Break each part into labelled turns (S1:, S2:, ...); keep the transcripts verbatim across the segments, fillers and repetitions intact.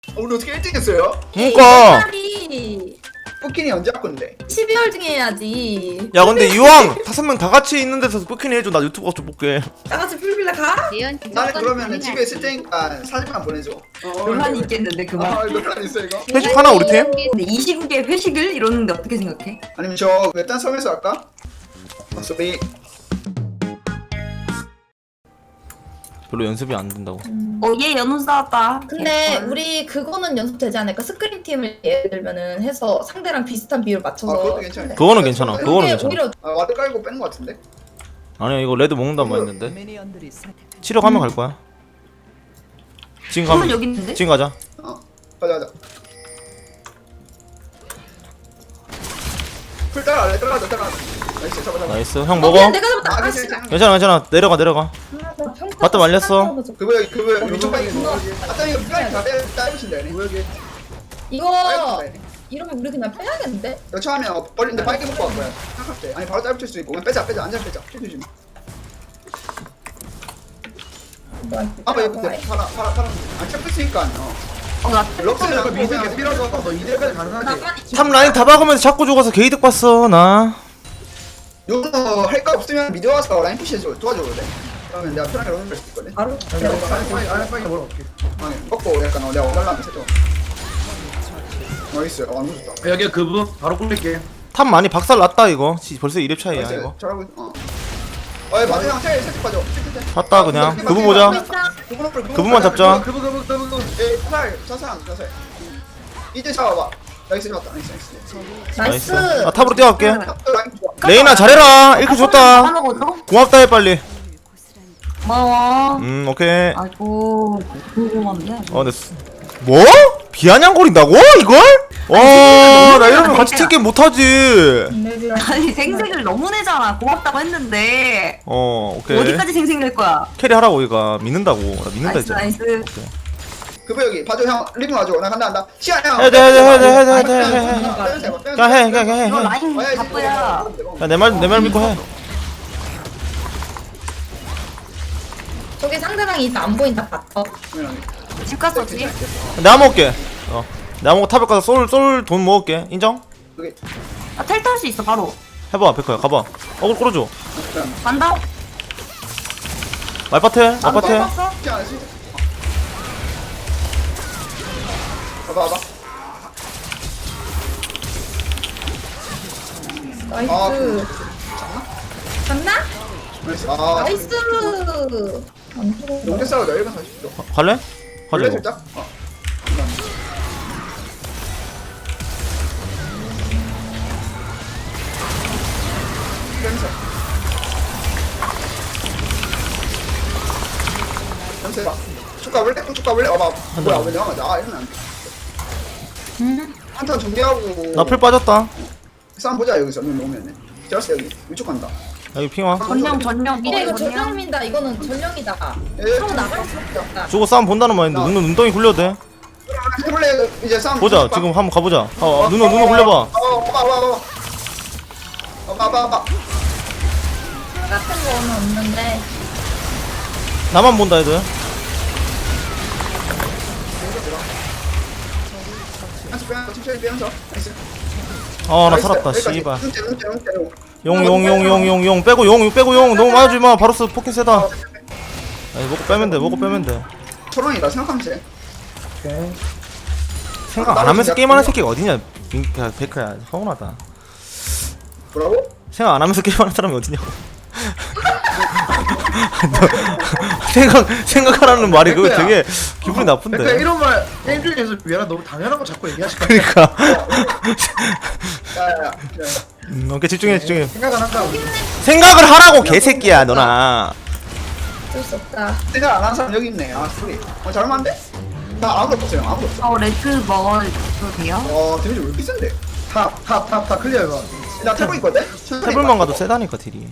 S1: 오늘 어떻게 일 등 했어요?
S2: 그니까
S1: 포킨이 언제 바꾼데?
S3: 십이월 중에 해야지.
S2: 야 근데 이왕 다섯 명 다 같이 있는 데서 뽑히니 해줘. 나 유튜브 가서 좀 볼게.
S3: 다 같이 풀빌라 가?
S1: 나는 그러면은 집에 있을 테니까 사진만 보내줘.
S4: 논란이 있겠는데 그만.
S1: 아 논란 있어 이거?
S2: 회식 하나 우리 팀?
S4: 근데 이 시국에 회식을 이러는데 어떻게 생각해?
S1: 아니면 저 외딴 섬에서 할까? 소리.
S2: 별로 연습이 안 된다고.
S4: 어얘 연우 싸웠다.
S3: 근데
S4: 개꿀.
S3: 우리 그거는 연습되지 않을까? 스크린 팀을 예를 들면은 해서 상대랑 비슷한 비율 맞춰서.
S1: 아 그것도 괜찮아.
S2: 그거는 괜찮아.
S3: 그게
S2: 그거는 괜찮아.
S3: 오히려
S1: 아 와드 깔고 빼는 거 같은데?
S2: 아니야 이거 레드 먹는단 말 했는데. 치료 가면 갈 거야. 지금
S4: 그러면
S2: 가면
S4: 여기 있는데?
S2: 지금 가자.
S1: 어 가자 가자. 풀 따라갈래? 따라가자 따라가자. 나이스 잡아 잡아.
S2: 나이스. 형
S3: 어,
S2: 먹어.
S3: 미안, 내가 잡았다.
S1: 아
S3: 아, 씨.
S1: 괜찮아.
S2: 괜찮아 괜찮아. 내려가 내려가. 맞다, 말렸어.
S1: 그거 여기 그거 여기 요즘 빨리 아까 이거 빨리 다 빼- 따주신다 얘네. 빨리
S3: 이거
S1: 다 얘네.
S3: 이러면 우리 그냥 빼야겠는데?
S1: 여차하면 버린데 빨리 먹고 갈 거야. 생각할 때. 아니 바로 짧을 수 있고 그냥 빼자 빼자 안전 빼자. 해주지 마. 아빠 이거 근데 파라 파라 파라 안 잡혔으니까 어.
S4: 어나
S1: 럭스는 아까 미드
S5: 계속 밀어줘. 너 이대까지 가능하지?
S2: 탑 라인 다 박으면서 자꾸 죽어서 게이득 봤어 나.
S1: 요거 할 거 없으면 미드 와서 라인 푸시해줘 도와줘도 돼. 그러면 내가 편하게 런을 할수 있거든.
S3: 바로
S5: 빨리 빨리 빨리 빨리 물어볼게.
S1: 아니 먹고 약간 어, 내가 원달라면 해줘. 나이스 어 너무 좋다.
S5: 여기 그분 바로 꿀릴게.
S2: 탑 많이 박살 났다 이거. 지- 벌써 일 렙 차이야
S1: 나이스
S2: 이거.
S1: 잘하고 있 어. 어이 마지막 텔 살짝 빠져.
S2: 탔다 그냥. 그분 보자. 그분만 잡자.
S5: 그분 그분 그분 그분.
S1: 에 자살 자살 자살. 이제 잡아봐. 나이스 잡았다. 나이스 나이스.
S3: 나이스.
S2: 아 탑으로 뛰어갈게.
S1: 탑도 라인 좋아.
S2: 레이나 잘해라. 이렇게 줬다.
S4: 먹어줘?
S2: 고맙다 해 빨리.
S4: 고마워.
S2: 음 오케이.
S4: 아이고 궁금한데.
S2: 어 근데 스- 뭐? 비아냥거린다고? 이걸? 와, 나 이러면 같이 팀게임 못하지.
S4: 아니 생색을 너무 내잖아. 고맙다고 했는데
S2: 어 오케이.
S4: 어디까지 생색 낼 거야?
S2: 캐리 하라고 이거 믿는다고. 나 믿는다
S4: 나이스
S2: 했잖아.
S4: 나이스.
S1: 그거 여기 봐줘 형 리뷰 와줘. 나 간다 간다. 시간 형.
S2: 해야 돼, 해야 돼, 해야 돼, 해야 돼, 해야 돼, 해야 돼.
S1: 돼.
S2: 그냥 해, 그냥 해,
S4: 이거
S2: 해.
S4: 라인 바쁘야.
S2: 내 말 내 말 믿고 해.
S3: 저기 상대방이 있다 안 보인다 봤어.
S4: 집 갔었지?
S2: 내가 먹을게. 어, 내가 먹고 탑에 가서 솔 솔 돈 먹을게. 인정?
S1: 여기
S4: 아 텔 탈 수 있어 바로.
S2: 해봐, 백호야, 가봐. 어글 끌어줘.
S4: 간다.
S2: 말밭에, 말밭에.
S4: 봤어?
S1: 시간 안 쓰지. 봐봐 봐봐.
S3: 나이스.
S1: 아,
S3: 갔나?
S1: 나이스. 아,
S3: 나이스. 안 들어.
S1: 용대 싸우자. 일 분 사십 초.
S2: 갈래?
S1: 원래
S2: 가자.
S1: 살짝. 어. 냄새. 냄새 봐. 축가 원래 축가 원래 어봐. 뭐야 왜 내가 맞아? 아 이러면 안 돼. 한턴 준비하고.
S2: 나 풀 빠졌다.
S1: 싸움 보자 여기서 눈 오면은. 제라스 여기 위쪽 간다.
S2: 여기 핑화.
S4: 전령 전령
S3: 야 이거
S4: 전령.
S3: 전령입니다. 이거는 전령이다.
S1: 예.
S3: 서로 나갈 수밖에 없다.
S2: 주고 싸움 본다는 말인데 눈 눈덩이 굴려도 돼.
S1: 해볼래 이제 싸움.
S2: 보자. 지금 한번 가보자. 어, 어 눈어 눈어 굴려봐.
S1: 어, 봐봐 봐봐 봐봐. 어, 봐봐 봐봐.
S3: 같은 거는 없는데.
S2: 나만 본다 애들.
S1: 한쪽 빼면서 천천히 빼면서. 나이스.
S2: 아 나 살았다. 씨발. 용 용 용 용 용 용 빼고 용 용 빼고 용 너무 맞지 마. 바로스 포켓 세다. 아니 먹고 빼면 돼. 먹고 빼면 돼.
S1: 초롱이다 생각하면 돼.
S2: 생각 안 하면서 게임하는 새끼가 어디냐? 야 백화야 서운하다.
S1: 뭐라고?
S2: 생각 안 하면서 게임하는 사람이 어디냐고. 너 생각 생각하라는 말이 그거 되게 기분이
S5: 그러니까
S2: 나쁜데.
S5: 이런 말 게임 중에서 미안하 너무 당연한 거 자꾸 얘기하실 거야.
S2: 그러니까.
S1: 야야야.
S2: 음, 오케이 집중해 집중해.
S5: 생각 안 한다고.
S2: 생각을 하라고 개새끼야 너나.
S3: 어쩔 수 없다.
S1: 생각 안 하는 사람 여기 있네. 아 소리. 어 잘만데? 나 아무것도 없어요. 아무것도 없어.
S4: 어 레드 먹어도 돼요?
S1: 어 데미지 왜 이렇게 센데?
S5: 탑탑탑탑 클리어 이거.
S1: 나 태고 있거든.
S2: 태블만 가도 세다니까 딜이.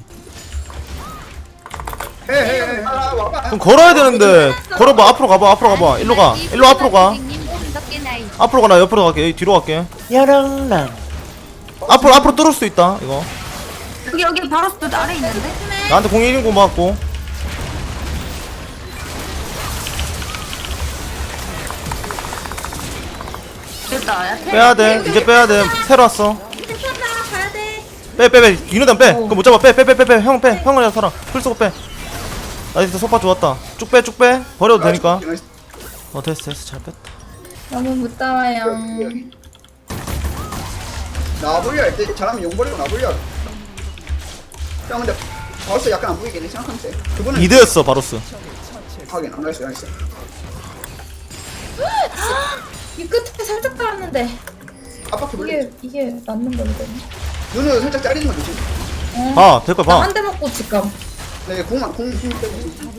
S1: 해해해. 아 와봐.
S2: 그럼 걸어야 되는데 걸어봐. 앞으로 가봐. 앞으로 가봐. 일로 가. 일로 앞으로 가. 앞으로 가. 나 옆으로 갈게. 여기 뒤로 갈게.
S6: 여랑랑
S2: 앞으로 앞으로 뚫을 수 있다. 이거.
S4: 여기 여기 바로 스 아래 있는데?
S2: 나한테 공 일 인공 맞고.
S4: 있다. 야, 텔.
S2: 빼야돼 이제 빼야돼 새로 왔어
S3: 괜찮아 가야 돼.
S2: 빼 빼빼 윤호단 빼 그거 못 잡아 빼 빼 빼 빼 형 빼 형을 살아 풀 쓰고 빼 나이스 소파 좋았다 쭉 빼 쭉 빼 버려도 되니까 어 됐어 됐어 잘 뺐다
S3: 너무 무따와요.
S1: 나불려 할때 잘하면 용 버리고 나불려. 형 근데 벌써 약간 안 보이긴 해 생각하면 돼. 그분은
S2: 미드였어 바로스
S1: 하긴 안 나이스 나이스.
S3: 이 끝에 살짝 달았는데
S1: 압박해 불려.
S3: 이게 이게 맞는 거거든.
S1: 눈을 살짝 자르는 거 조심.
S2: 아 될걸 봐
S3: 나한 대 먹고 지금.
S1: 네 공만 공공 빼고.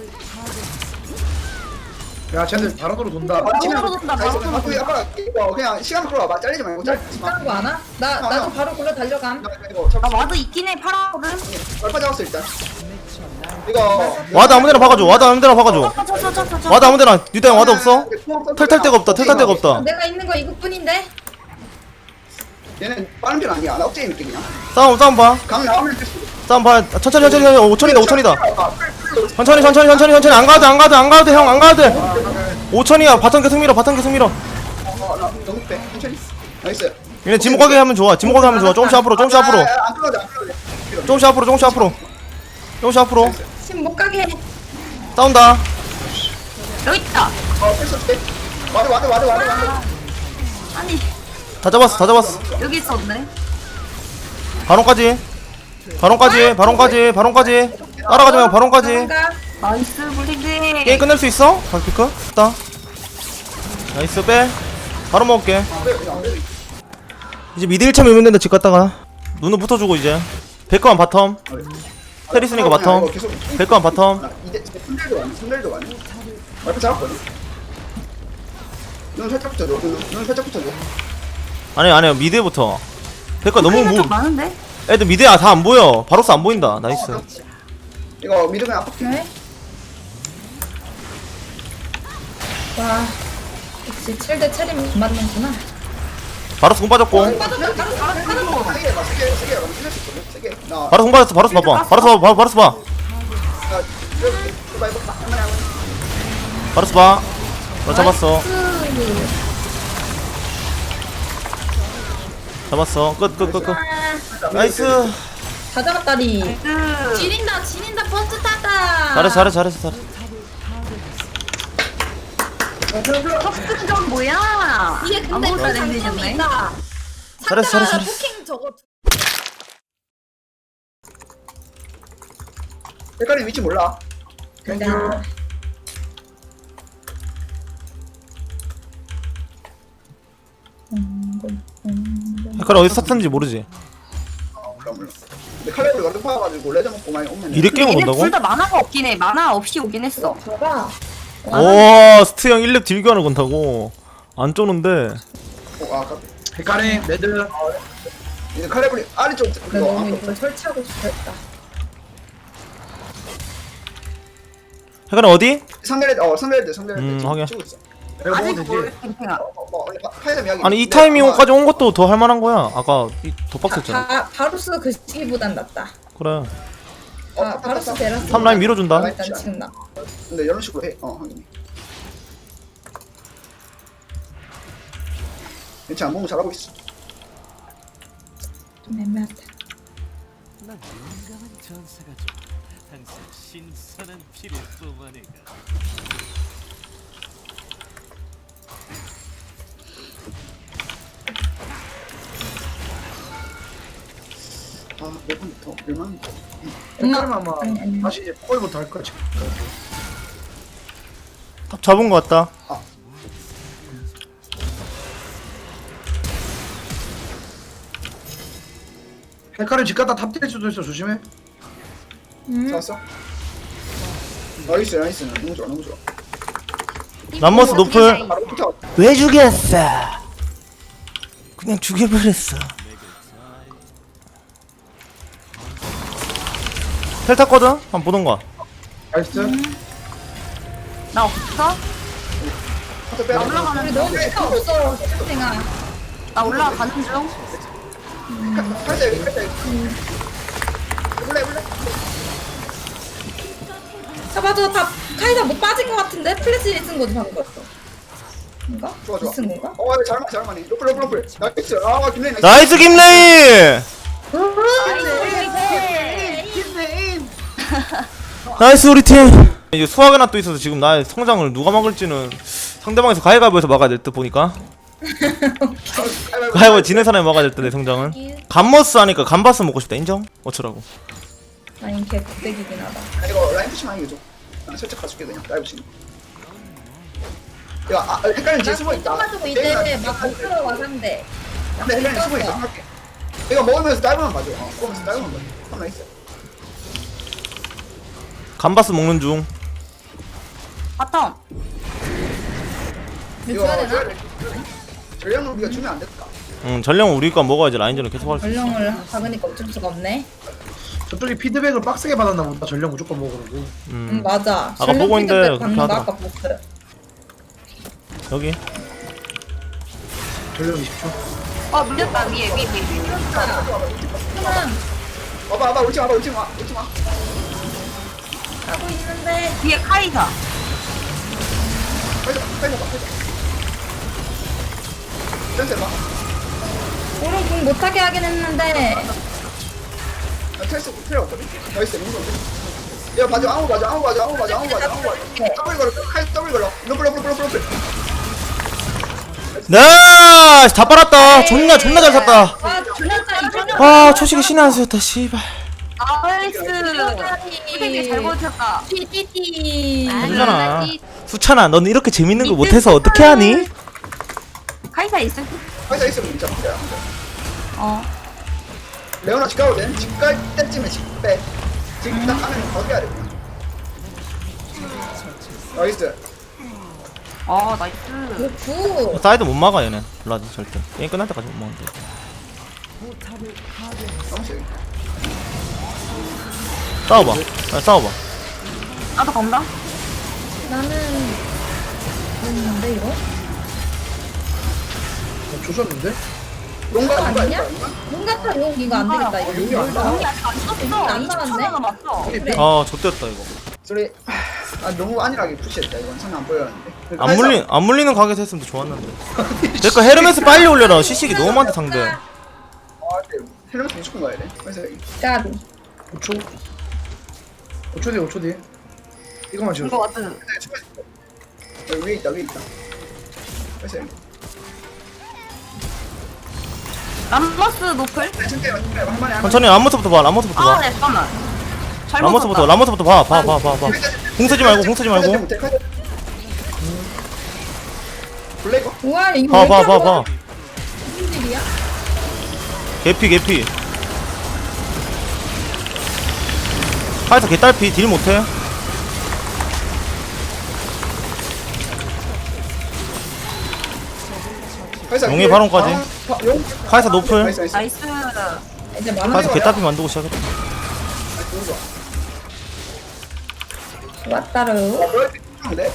S5: 야 쟤들 바로도로 돈다.
S4: 바로 돈다, 바로 돈다.
S1: 아까 이거 그냥 시간 끌어봐. 잘리지 말고 잘리지 마.
S3: 비싼 거 아나? 나 나도 바로 굴러 달려감.
S1: 나 이거 잡.
S4: 나 와드 있긴 해. 파라거든.
S1: 얼마 잡았어 일단. 이거
S2: 와드 아무데나 박아줘 와드 아무데나 박아줘
S4: 저저저저
S2: 와드 아무데나 뉴다형 와드 없어? 털탈 데가 없다 털탈 데가 없다
S3: 내가 있는 거 이것뿐인데.
S1: 얘는 빠른 편 아니야. 나 억제 있게 그냥.
S2: 싸움 싸움 봐
S1: 강 나오면
S2: 싸움 봐 천천히 천천히 천천히 오천이다 오천이다 천천히 천천히 천천히 천천히 안 가도 돼 안 가도 돼 안 가도 돼 형 안 가도 돼 오천이야 바텀 계속 밀어 바텀 계속 밀어
S1: 어나 너무 빼. 천천히. 나이스.
S2: 얘네 지목하게 하면 좋아 지목하게 하면 좋아 조금씩 앞으로 조금씩 앞으로
S1: 안 끌어도 안 끌어도 돼.
S2: 조금씩 앞으로 조금씩 앞으로 조금씩 앞으로
S3: 지금 못 가게 해.
S2: 싸운다
S4: 여기 있다.
S1: 어 패스 빼. 와드 와드 와드 와드 와드.
S4: 아니
S2: 다 잡았어 다 잡았어
S4: 여기 있었네.
S2: 바론까지 바론까지 바론까지 바론까지 따라가지 말고 바론까지
S3: 도망가.
S4: 나이스 블리드.
S2: 게임 끝낼 수 있어? 바피크? 됐다 나이스 빼 바로 먹을게 이제 미드 일 차 밀면 된다 집 갔다가 눈을 붙어주고 이제 백커만 바텀 테리스니까 바텀 백커만 바텀
S1: 아, 이제 손들도 왔네. 손들도 왔네. 와이프 잡았거든. 눈 살짝 붙여줘. 눈, 눈 살짝 붙여줘.
S2: 아니 아니야 미드부터 백커 너무
S4: 좀
S2: 무
S4: 많은데?
S2: 애들 미드야 다 안 보여 바로스 안 보인다 나이스
S1: 이거 미드 그냥 압박해.
S3: 네. 와. 역시 칠 대 칠이 맞는구나.
S2: 바로스 공 빠졌고
S3: 빠졌다. 바로 바로 바로.
S1: 세게 해봐. 세게 세게 해봐. 세게 수 있거든. 세게. 나.
S2: 바로스 공 빠졌어 바로스 봐봐 바로스 봐 바- 바로스 봐
S1: 나 이렇게 해봐. 해봐. 하나.
S2: 바로스 봐 너 잡았어 잡았어 끝 끝 끝끝 나이스
S3: 다 잡았다리.
S4: 그
S3: 지린다 지린다 버스 탔다.
S2: 잘했어 잘했어 잘했어 잘했어
S4: 턱승전 뭐야?
S3: 이게 근데
S4: 아무것도
S3: 그
S4: 안
S3: 장점이
S4: 되셨네.
S3: 있다.
S2: 잘했어,
S3: 상대가
S2: 잘했어,
S3: 포킹 저거
S1: 색깔이 위치 몰라.
S3: 된다.
S2: 헷갈려 어디 샀는지 모르지
S1: 어, 몰라 몰라. 근데 칼렙을 완전 파가지고 레저 먹고 많이 오면.
S2: 이래 게임을
S4: 얘네
S2: 온다고?
S4: 둘 다 만화가 없긴 해. 만화 없이 오긴 했어.
S3: 봐봐.
S2: 오 스트 형 일 렙 딜교하는 건다고 안 쪼는데
S1: 어, 아, 깜
S5: 헷갈림 레드.
S1: 이제 칼렙을 아래쪽
S3: 나
S1: 그거
S3: 너무
S1: 아까
S3: 이걸 설치하고 싶었다.
S2: 헷갈려 어디?
S1: 상대레드 어 상대레드 상대레드
S2: 음,
S1: 지금
S2: 확인.
S1: 치고 있어.
S5: 내가
S4: 아직
S5: 먹어도
S4: 뭘
S5: 되지.
S4: 팽팽아.
S1: 어, 어, 뭐 원래 파- 파이점 이야기.
S2: 아니 이
S1: 근데
S2: 타이밍까지 온 것도 더 할만한 거야 아까 이 도박했잖아
S3: 바, 바루스 그 시기보단 낫다.
S2: 그래
S1: 어,
S3: 아, 바루스 베라스.
S2: 탑 라인 밀어준다.
S3: 일단 지금 나.
S1: 근데 이런 식으로 해. 어 확인. 괜찮아 몸 잘하고 있어.
S3: 좀 애매하다.
S6: 난 용감한 전사가 좀 항상 신선한 피를 뿜어내가.
S1: 아몇 번부터 얼마나?
S5: 헷갈림 아마
S3: 아니, 아니.
S5: 다시 이제 콜부터 할 거지.
S2: 탑 잡은 거 같다
S5: 헷갈림 집 갔다 탑 뛸 수도 있어 조심해.
S3: 음.
S1: 잡았어? 나이스 나이스 너무 좋아 너무 좋아.
S2: 람머스 노플
S1: 바로 붙어.
S2: 왜 죽였어 그냥 죽여버렸어 텔 탔거든? 한번 보던가
S5: 나이스.
S4: 나 없어?
S1: 붙어 빼.
S4: 올라가는
S3: 우리 너무 시간 없어. 생아.
S4: 나 올라가는 중.
S1: 팔자 여기 팔자 여기. 몰래 몰래.
S3: 잡아줘. 다 카이사 못 빠진 것 같은데 플래시 쓴 거지 방금. 인가?
S1: 좋아, 좋아.
S3: 비쓴 건가?
S1: 어 잘만 잘만해. 로플 로플 로플. 나이스. 아 김레인 나이스.
S2: 나이스 김레인. 나이스 우리 팀. 이제 수학의 낫도 있어서 지금 나의 성장을 누가 막을지는 상대방에서 가위바위보에서 막아야 될 듯 보니까. 가위바위보 지는 사람이 막아야 될 듯 내 성장은. 감머스 하니까 감바스 먹고 싶다. 인정? 어쩌라고.
S3: 라인 개 부대기긴 하다.
S1: 아, 이거 라인 푸시만 이거 줘. 나 살짝 가줄게 그냥 라이브 치는. 야, 아, 헷갈리는 뒤에 숨어 있다.
S3: 가지고 이때 막못 들어와 상대.
S1: 근데 헷갈리는 숨어 있어. 할게. 이거 먹으면서 다이브만 봐줘. 어, 먹으면서 다이브만 봐줘. 하나 있어.
S2: 감바스 먹는 중.
S4: 바텀.
S3: 이거 줘야 되나?
S1: 전략은 우리가 주면 안 됐다.
S2: 응 전령 우리 거 먹어야지 라인전을 계속 할 수 있어.
S3: 전령을 박으니까 어쩔 수가 없네.
S5: 저쪽이 피드백을 빡세게 받았나 보다. 전령 무조건 먹으라고.
S3: 응
S2: 음
S3: 맞아.
S2: 아까
S3: 전령
S2: 보고 있는데
S3: 피드백
S2: 그렇게
S3: 받는 거
S2: 하더라.
S3: 아까 보스.
S2: 여기.
S5: 전령 이십 초.
S4: 어 밀렸다 위에 위에 위에.
S3: 그만
S1: 와봐, 와봐, 울지 마, 와봐, 울지 마, 울지 마.
S3: 하고 있는데.
S4: 위에 카이사.
S1: 빨리 가, 빨리 가, 빨리 가. 센스 봐.
S3: 오른 공 못하게 하긴 했는데.
S1: 나 테스트 필요 없거든. 나이스, 민건데 야, 맞아, 아무 맞아, 아무 맞아, 아무 맞아, 아무 맞아, 아무 맞아. 더블 걸어, 칼 더블 걸어. 로플, 로플, 로플, 로플.
S2: 네, 다 빨았다. 존나 존나 잘 샀다.
S3: 아 존나 짜리 전령.
S2: 아 초식이 신의 한 수였다. 씨발.
S4: 나이스. 되게 잘 버텼다.
S3: 띠띠띠.
S2: 아니잖아. 수찬아, 넌 이렇게 재밌는 거 못해서 어떻게 하니?
S4: 카이사 있을 때.
S1: 회사 있으면 진짜 필요야.
S4: 어.
S1: 레오나 집 가도 돼? 집 갈 때쯤에 집 빼. 지금 딱 가면 더 해야 돼. 나이스.
S4: 어 나이스.
S3: 구.
S2: 사이드 못 막아 얘네. 블라디 절대. 게임 끝날 때까지 못 막는데.
S1: 너무 세.
S2: 싸워봐. 아, 싸워봐.
S4: 나도 간다.
S3: 나는 뭔데 이거?
S5: 어, 조졌는데?
S1: 용가
S3: 아,
S1: 용가
S3: 아니냐?
S1: 용가.
S3: 용 같아 용 이거 안 되겠다 이거.
S1: 용이 안 나와.
S4: 용이 아직 안 썼어.
S3: 용이 안
S4: 이십 초
S3: 나왔네?
S4: 남았어.
S3: 그래.
S2: 아, 좆됐다 이거.
S1: 소리. 아 너무 안일하게 푸시했다 이건 상안 보였는데.
S2: 안 물리 안 물리는 가게에서 했으면 더 좋았는데. 내거 헤르메스 빨리 올려라. 시식이 너무 많다 상대.
S1: 아 근데 헬멧 무조건 가야 돼. 그래서
S3: 까비.
S5: 오 초. 오 초 뒤에 오 초 뒤에. 이거만 지워.
S4: 이거 완전.
S1: 여기 위에 있다 위에 있다. 그래서
S4: 람머스 노플.
S1: 천천히 한 번에 한 번에.
S2: 천천히 람모스부터 봐. 람모스부터
S4: 아
S2: 봐.
S4: 네 잠깐만. 잘못
S2: 람모스부터
S4: 썼다.
S2: 람모스부터 봐. 봐 봐 봐 봐. 공 쓰지 말고 공 쓰지 말고.
S1: 블레이거.
S3: 우와 이거
S2: 봐
S3: 왜
S2: 봐
S3: 이렇게
S2: 봐
S3: 하고
S2: 봐.
S3: 무슨 일이야?
S2: 개피 개피. 카이사 개딸피 딜 못해. 용의 발언까지.
S1: 용.
S2: 카이사 노플.
S1: 나이스 나이스.
S4: 나이스.
S3: 이제 만화
S2: 카이사 개딸피 만들고 시작했다.
S1: 너무 좋아.
S3: 왔다르.
S1: 아 블레이피 좋은데?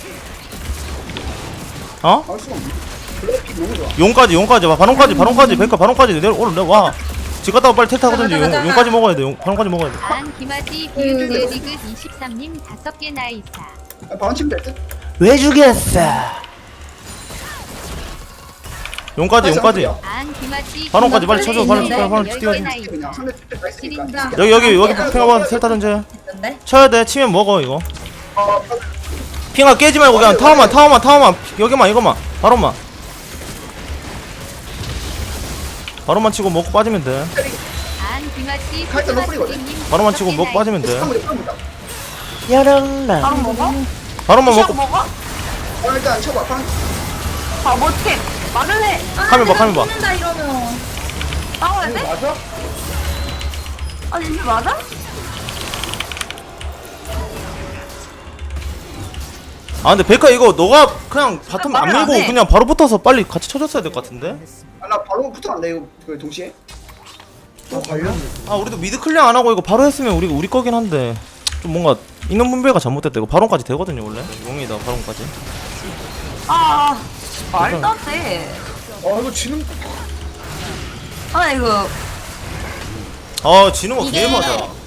S2: 어?
S1: 알 수가 없네. 블레이피 너무 좋아.
S2: 용까지 용까지 봐. 바론까지 바론까지 백화 바론까지 내려 오늘 내려 와. 집 갔다가 빨리 텔 타거든지 용, 용까지 먹어야 돼. 용, 바론까지 먹어야 돼.
S7: 안 김아지 뷰드 리그 이십삼 님 다섯 개 나이사.
S1: 아, 바람 치면 될 듯?
S2: 왜 죽였어? 용까지 용까지.
S7: 안 김아지
S2: 바론까지 빨리 쳐줘. 빨리
S3: 있는데?
S2: 빨리 빨리
S7: 열
S2: 뛰어야지.
S7: 개 나이사.
S1: 그냥 상대 때 나이스니까.
S3: 지린다.
S2: 여기 여기 여기 핑하봐 텔 타든지.
S3: 있는데?
S2: 쳐야 돼. 치면 먹어 이거.
S1: 어,
S2: 핑아 깨지 말고 그냥 타워만 타워만 타워만 여기만 이거만 바론만. 바론만 치고 먹고 빠지면 돼.
S7: 안 김아지
S1: 카이사 너플이거든.
S7: 님
S2: 바론만 치고 먹고 빠지면 돼.
S1: 한번 해봅니다.
S4: 바로 먹어?
S2: 바론만
S4: 시작
S2: 먹고
S4: 먹어?
S1: 어, 일단 쳐봐. 방.
S4: 아 뭐 어떡해. 말을 해.
S2: 카메라 봐, 카메라 봐.
S3: 죽는다 이러면.
S4: 싸워야 돼?
S1: 맞아?
S4: 아니 이게 맞아?
S2: 아 근데 백화 이거 너가 그냥 바텀 안
S4: 말을 안
S2: 밀고
S4: 해.
S2: 그냥 바로 붙어서 빨리 같이 쳐줬어야 될 것 같은데?
S1: 아, 나 바로 붙어간다 이거 그 동시에.
S5: 아 관련?
S2: 아 우리도 미드 클리어 안 하고 이거 바로 했으면 우리가 우리 거긴 한데 좀 뭔가 인원 분배가 잘못됐다. 이거 바론까지 되거든요 원래. 용이다 바론까지.
S4: 아 말도 안 돼.
S5: 아 이거 지는.
S4: 아 이거
S2: 아 지는 거 개
S3: 이게-
S2: 맞아.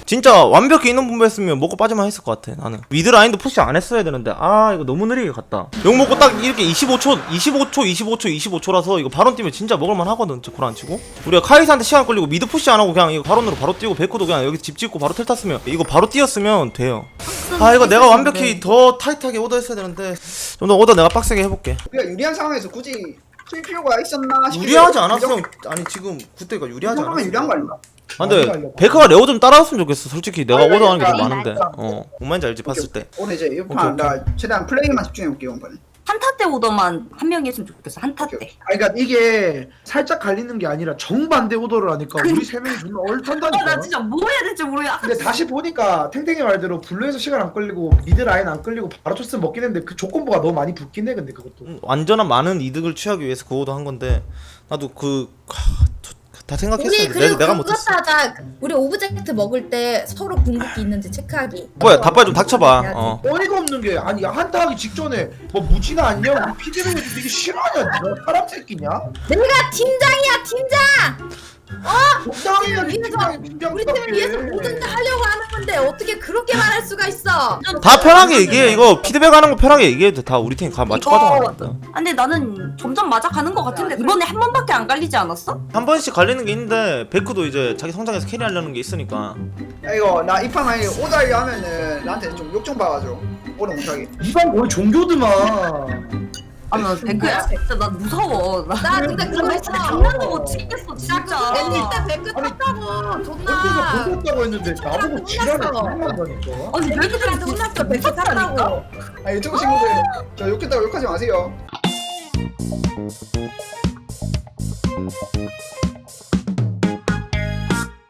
S2: 진짜 완벽히 있는 분배했으면 먹고 빠지만 했을 것 같아 나는. 미드 라인도 푸시 안 했어야 되는데 아 이거 너무 느리게 갔다. 욕 먹고 딱 이렇게 이십오 초 이십오 초 이십오 초 이십오 초라서 이거 바론 뛰면 진짜 먹을만 하거든. 저 고란 치고 우리가 카이사한테 시간 걸리고 미드 푸시 안 하고 그냥 이거 바론으로 바로 뛰고 베코도 그냥 여기 집 짓고 바로 텔 탔으면 이거 바로 뛰었으면 돼요. 아 이거 내가 완벽히 더 타이트하게 오더 했어야 되는데 좀 더 오더 내가 빡세게 해볼게.
S1: 우리가 유리한 상황에서 굳이 쓸 필요가 있었나 싶기도
S2: 유리하지
S1: 해요.
S2: 않았어.
S1: 이
S2: 아니 지금 그때가
S1: 정도- 이
S2: 유리하지
S1: 정도면
S2: 않았어.
S1: 유리한 거 아닌가?
S2: 아, 근데 베카가 레오 좀 따라왔으면 좋겠어. 솔직히 내가
S1: 아니,
S2: 오더하는 게 좀
S1: 아니,
S2: 많은데. 어, 뭔 말인지 알지 봤을 때.
S1: 오늘 이제
S2: 오케이,
S1: 이판 나 최대한 플레이만 집중해볼게요 이번에.
S4: 한타 때 오더만 한 명이 했으면 좋겠어. 한타 때.
S5: 아니 그러니까 이게 살짝 갈리는 게 아니라 정반대 오더를 하니까 우리 세 명이 존나
S4: 아, 나
S5: 얼탄다니까.
S4: 진짜 뭐 해야 될지 모르겠어.
S5: 근데 다시 보니까 탱탱이 말대로 블루에서 시간 안 끌리고 미드 라인 안 끌리고 바로 토스 먹긴 했는데 그 조건부가 너무 많이 붙긴 해. 근데 그것도
S2: 음, 완전한 많은 이득을 취하기 위해서 그 오더 한 건데 나도 그 다
S3: 우리
S2: 생각했었는데
S3: 그리고
S2: 내가, 내가
S3: 그것도
S2: 못했어.
S3: 하자. 우리 오브젝트 먹을 때 서로 궁극기 있는지 체크하기.
S2: 뭐야 다빨 좀 닥쳐봐. 어.
S5: 어이가 없는 게 아니 한타 하기 직전에 뭐 무지나 안녕 피디를 해도 되게 싫어하냐 너 사람 새끼냐?
S3: 내가 팀장이야 팀장.
S5: 적당히야
S3: 우리 팀을
S5: 팀장이 팀장
S3: 우리 팀을 위해서 뭐든지 하려고 하는 건데 어떻게 그렇게 말할 수가 있어?
S2: 다 편하게 얘기해. 이거 피드백 하는 거 편하게 얘기해도 다 우리 팀 가 맞춰 가져가는 거야.
S4: 아, 근데 나는 점점 맞아가는 것 같은데 이번에 한 번밖에 안 갈리지 않았어?
S2: 한 번씩 갈리는 게 있는데 베크도 이제 자기 성장해서 캐리하려는 게 있으니까.
S1: 야 이거 나 이판 만약에 오다이 하면은 나한테 좀 욕 좀 봐가지고 오래 못하게.
S5: 이방 거의 종교드만.
S4: 아, 나 백크야 진짜 나 무서워. 나,
S3: 나 근데 그거
S4: 나
S3: 했어.
S4: 진짜 장난도 못 치겠어 진짜.
S3: 애니 때 백크
S5: 아니,
S3: 탔다고
S5: 혼자서
S3: 존나.
S5: 보겠다고 했는데 나보고 지랄을
S3: 혼났어.
S5: 장난한다니까.
S4: 아니 왜 그렇게
S3: 애들한테 혼났어 백크 탔다고.
S1: 아 유튜브 친구들 저 욕했다고 욕하지 마세요.